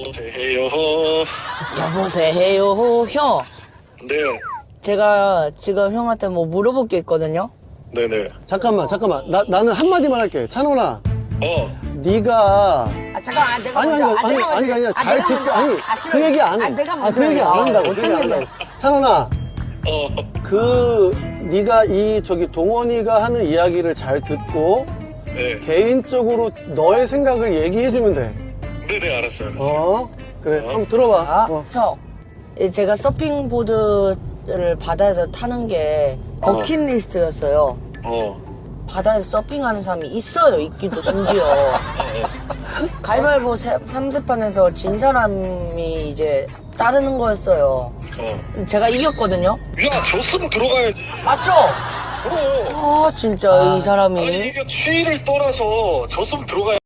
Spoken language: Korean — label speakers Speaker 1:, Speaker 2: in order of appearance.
Speaker 1: 여보세요, 형.
Speaker 2: 네요.
Speaker 1: 제가 지금 형한테 뭐 물어볼 게 있거든요.
Speaker 2: 네네.
Speaker 3: 잠깐만. 나는 한마디만 할게. 찬원아, 네가
Speaker 1: 잠깐만, 내가
Speaker 3: 아니,
Speaker 1: 먼저.
Speaker 3: 아니, 아니야. 잘
Speaker 1: 내가
Speaker 3: 듣고,
Speaker 1: 먼저.
Speaker 3: 아니,
Speaker 1: 싫어요.
Speaker 3: 그 얘기 안 해.
Speaker 1: 내가 먼저.
Speaker 3: 그 얘기 안 한다고. 그 얘기 안 한다고. 찬원아, 네가 동원이가 하는 이야기를 잘 듣고,
Speaker 2: 네.
Speaker 3: 개인적으로 너의 생각을 얘기해주면 돼.
Speaker 2: 네네, 알았어요.
Speaker 3: 그래. 한번 들어봐.
Speaker 1: 아, 형. 제가 서핑보드를 바다에서 타는 게 버킷리스트였어요. 바다에서 서핑하는 사람이 있어요. 있기도 심지어. 가위바위보 3세판에서 진 사람이 이제 따르는 거였어요. 제가 이겼거든요.
Speaker 2: 야, 졌으면 들어가야지.
Speaker 1: 맞죠?
Speaker 2: 그럼.
Speaker 1: 아, 진짜 이 사람이.
Speaker 2: 아니, 이게 추위를 떠나서 졌으면 들어가야지.